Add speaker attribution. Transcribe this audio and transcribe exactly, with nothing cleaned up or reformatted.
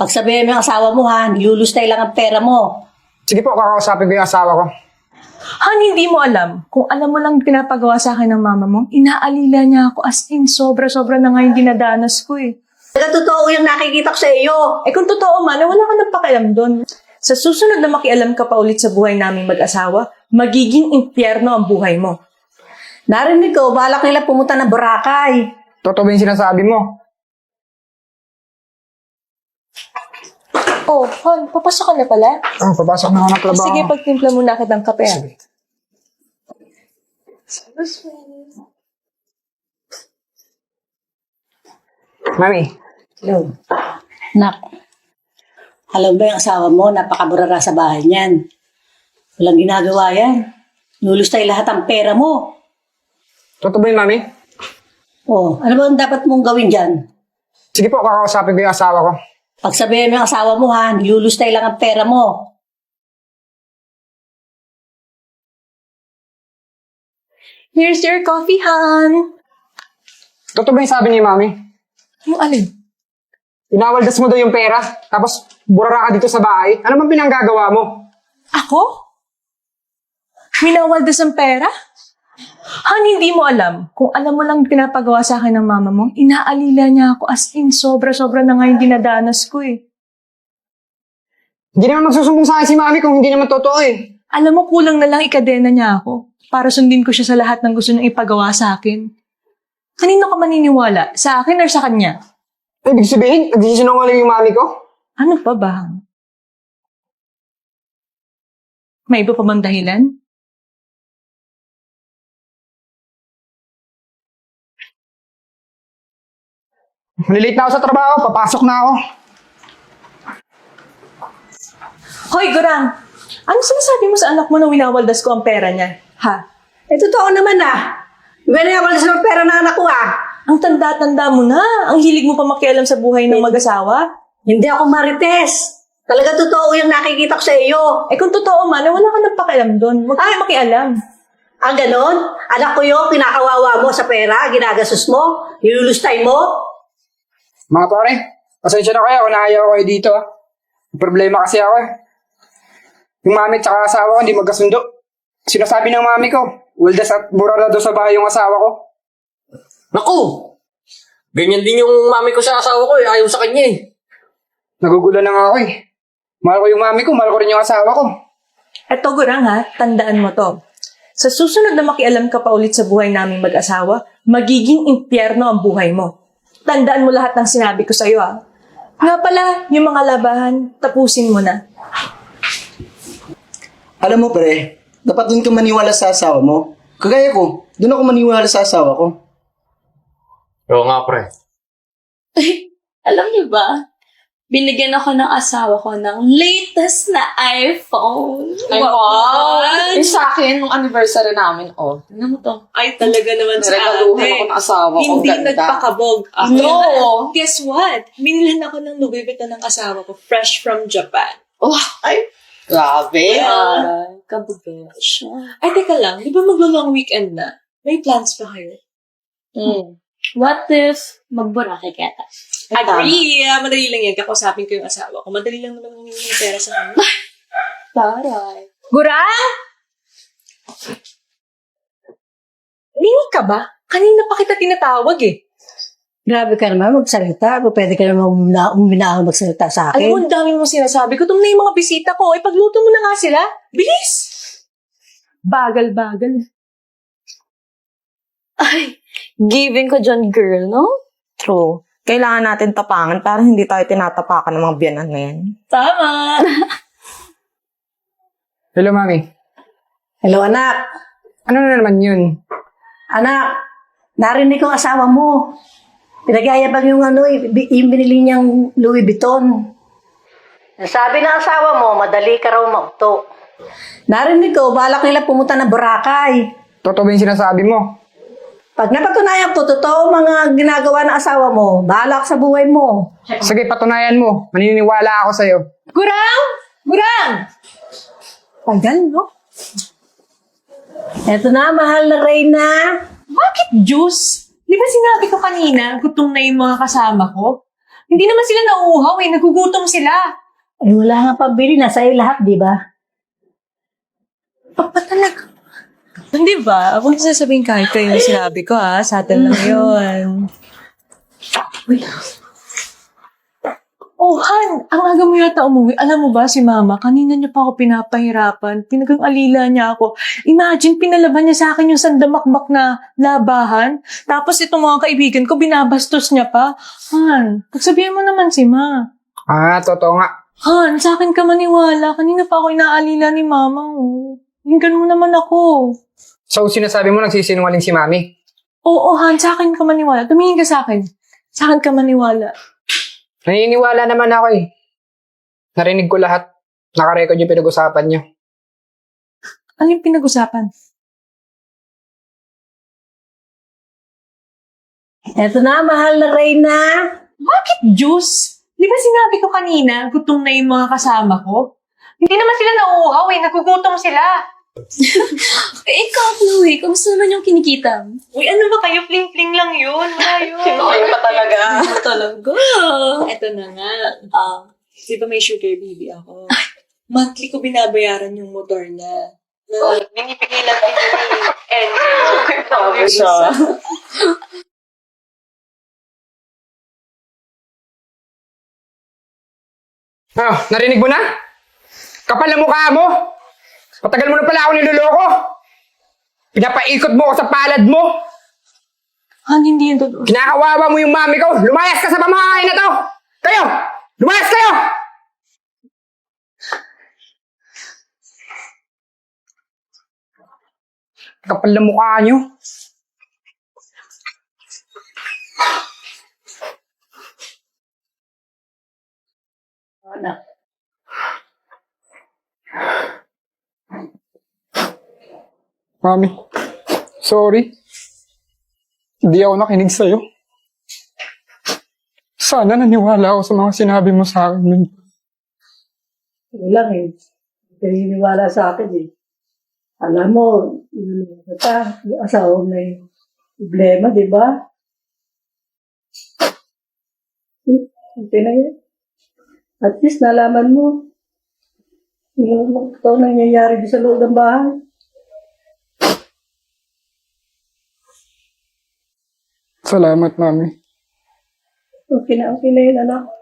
Speaker 1: Pagsabihin mo yung asawa mo ha, nilulustay lang ang pera mo.
Speaker 2: Sige po, kakausapin ko yung asawa ko.
Speaker 3: Han, hindi mo alam. Kung alam mo lang pinapagawa sa akin ng mama mo, inaalila niya ako as in sobra-sobra na nga yung dinadanas ko eh.
Speaker 1: Talaga totoo yung nakikita ko sa iyo.
Speaker 3: Eh kung totoo man, eh, wala ka nang pakialam doon. Sa susunod na makialam ka pa ulit sa buhay naming mag-asawa, magiging impyerno ang buhay mo.
Speaker 1: Narinig ko, balak nila pumunta ng Boracay.
Speaker 2: Totoo ba yung sinasabi mo?
Speaker 3: Oh, Han, papasok ka na pala?
Speaker 2: Oh, papasok na ako ng trabaho.
Speaker 3: Sige, pagtimpla muna kitang kape. ah.
Speaker 2: Sige. Mami,
Speaker 1: Hello. Nak, alam ba yung asawa mo, napakaburara sa bahay niyan. Walang ginagawa yan. Nulustay lahat ang pera mo.
Speaker 2: totoo ba yun, Mami?
Speaker 1: Oh, ano ba ang dapat mong gawin dyan?
Speaker 2: Sige po, kakausapin ko yung asawa ko.
Speaker 1: Pagsabihin mo yung asawa mo ha, nilulustay lang ang pera mo.
Speaker 3: Here's your coffee, Han.
Speaker 2: Totoo ba yung sabi ni Mami?
Speaker 3: Yung alin?
Speaker 2: Inawaldas mo daw yung pera, tapos burara ka dito sa bahay. Ano bang pinanggagawa mo?
Speaker 3: Ako? Minawaldas ang pera? Han, hindi mo alam. Kung alam mo lang pinapagawa sa akin ng mama mo, inaalila niya ako as in sobra-sobra na nga yung dinadanas ko eh.
Speaker 2: Hindi naman magsusumbong sa akin si Mami kung hindi naman totoo eh.
Speaker 3: Alam mo, kulang na lang ikadena niya ako para sundin ko siya sa lahat ng gusto niyang ipagawa sa akin. Kanino ka maniniwala? Sa akin or sa kanya?
Speaker 2: Ay, ibig sabihin, nagsisinungaling yung Mami ko?
Speaker 3: Ano pa ba? May iba pa bang dahilan?
Speaker 2: Malilate na ako sa trabaho, papasok na ako.
Speaker 3: Hoy, Gurang! Ano sinasabi mo sa anak mo na winawaldas ko ang pera niya? Ha?
Speaker 1: Eh, totoo naman ah. Winawaldas ng pera ng anak ko ah.
Speaker 3: Ang tanda-tanda mo na. Ang hilig mo pa makialam sa buhay ng mag-asawa.
Speaker 1: Hindi ako marites. Talaga totoo yung nakikita ko sa iyo.
Speaker 3: Eh kung totoo man, eh, wala ka nang pakialam doon. Huwag kang makialam.
Speaker 1: Ang ganon? Anak ko yung pinakawawa mo sa pera, ginagastos mo, nilulustay mo.
Speaker 2: Mga pare, pasensya na kayo kung naayaw ko kayo dito. ah. May problema kasi ako eh. Yung mami at saka asawa ko hindi magkasundo. Sinasabi ng mami ko, waldas at burara daw sa bahay yung asawa ko.
Speaker 4: Naku! Ganyan din yung mami ko sa asawa ko eh. Ayaw sa kanya eh.
Speaker 2: Nagugulan na nga ako eh. Mahal ko yung mami ko, mahal ko rin yung asawa ko.
Speaker 3: Eto, Gurang ha, tandaan mo to. Sa susunod na makialam ka pa ulit sa buhay naming mag-asawa, magiging impyerno ang buhay mo. Tandaan mo lahat ng sinabi ko sa'yo ha. Nga pala, yung mga labahan, tapusin mo na.
Speaker 5: Alam mo pre, dapat doon ka maniwala sa asawa mo. Kagaya ko, doon ako maniwala sa asawa ko.
Speaker 4: Oo nga, pre.
Speaker 6: Alam niyo ba? Binigyan ako ng asawa ko ng latest na iPhone.
Speaker 7: Ay, wow! Eh, sa akin, nung anniversary namin, oh, tingnan mo to.
Speaker 3: Ay, talaga naman sa
Speaker 7: Regaluhan
Speaker 3: ate.
Speaker 7: ako ng asawa ko.
Speaker 3: Hindi
Speaker 7: Ganda.
Speaker 3: nagpakabog.
Speaker 7: No!
Speaker 3: Guess what? Binilan ako ng Louis Vuitton ng asawa ko, fresh from Japan.
Speaker 7: Oh, ay, grabe.
Speaker 6: Ay, kabubesh.
Speaker 3: Ay, teka lang, di ba maglo-long weekend na? May plans pa kayo?
Speaker 6: Hmm. What if magburake kita?
Speaker 3: Agree! Ah, madali lang yan. Kakausapin ko yung asawa ko. Madali lang naman humingi ng pera sa kanya.
Speaker 6: Taray.
Speaker 3: Gurang! Lingi ka ba? Kanina pa kita tinatawag eh.
Speaker 1: Grabe ka naman magsalita. Pwede ka naman umina- uminahon magsalita sa
Speaker 3: Alam mo,
Speaker 1: akin.
Speaker 3: ang dami mong sinasabi. Gutom na yung mga bisita ko. Ipagluto mo na nga sila. Bilis! Bagal-bagal.
Speaker 7: Ay, giving ko dyan, girl, no? True. Kailangan natin tapangan para hindi tayo tinatapakan ng mga biyanan na yan.
Speaker 3: Tama!
Speaker 2: Hello, Mami.
Speaker 1: Hello anak.
Speaker 2: Ano na naman yun?
Speaker 1: Anak, narinig ko ang asawa mo. Pinagyayabang yung ano, yung binili niyang Louis Vuitton. Sabi ng asawa mo, madali ka raw mauto. Narinig ko, balak nila pumunta ng Boracay.
Speaker 2: Totoo ba yung sinasabi mo?
Speaker 1: Pag napatunayan ko, totoo mga ginagawa ng asawa mo, bahala ka sa buhay mo.
Speaker 2: Sige, patunayan mo. Maniniwala ako sa'yo.
Speaker 3: Gurang! Gurang! Tagal, no?
Speaker 1: Eto na, mahal na Reyna.
Speaker 3: Bakit juice? Di ba sinabi ko kanina, gutom na yung mga kasama ko? Hindi naman sila nauuhaw eh. Nagugutom sila.
Speaker 1: Ay, wala nga pambili. Nasa iyo lahat, di ba?
Speaker 3: Papa talaga. Hindi ba? Huwag na sasabihin kahit kayo yung sinabi ko ha. Sa atin lang yun. Oh, Han, ang aga mo yata umuwi. Alam mo ba si Mama, kanina niya pa ako pinapahirapan. Pinagang-alila niya ako. Imagine, pinalaban niya sa akin yung sandamakbak na labahan. Tapos itong mga kaibigan ko, binabastos niya pa. Han, pagsabihin mo naman si Ma.
Speaker 2: Ah, totoo nga.
Speaker 3: Han, sa akin ka maniwala. Kanina pa ako inaalila ni Mama. Oh. Hinggan mo naman ako.
Speaker 2: So, sinasabi mo nagsisinungaling si Mami?
Speaker 3: Oo, Han, sa akin ka maniwala. Tumingin ka sa akin. Sa akin ka maniwala.
Speaker 2: Naniniwala naman ako eh. Narinig ko lahat. Nakarecord yung pinag-usapan niyo.
Speaker 3: Ano yung pinag-usapan?
Speaker 1: Eto na, mahal na Reyna.
Speaker 3: Bakit juice? Di ba sinabi ko kanina, gutom na yung mga kasama ko? Hindi naman sila nauuhaw eh, nagugutom sila.
Speaker 6: Eh, ikaw, Chloe, kamusta naman yung kinikita?
Speaker 3: Uy, ano ba kayo? Fling-fling lang yun. Wala yun.
Speaker 6: Sinoy pa talaga. talaga.
Speaker 3: Eto na nga. Ah, di ba may sugar baby ako? Monthly ko binabayaran yung motor na. Na binibigay lang din ni Angel.
Speaker 6: Grabe siya.
Speaker 2: Ano, narinig mo na? Kapal na mukha mo! Matagal mo na pala ako niloloko! Pinapaikot mo ako sa palad mo!
Speaker 3: Han, hindi yan totoo.
Speaker 2: Kinakawawa mo yung mami ko! Lumayas ka sa pamamahay na to! Kayo! Lumayas kayo! Kapal na mukha nyo.
Speaker 1: Anak.
Speaker 2: Mami, sorry. Hindi ako nakinig sa'yo. Sana naniwala ako sa mga sinabi mo sa akin nun.
Speaker 1: Wala eh. Hindi ka naniniwala sa akin eh. Alam mo, yung kita, yung asawa mo may problema, di ba? Okay na yun. At least nalaman mo yung ito nangyayari sa loob ng bahay.
Speaker 2: Salamat, Mami.
Speaker 1: Okay na, okay na yun, anak.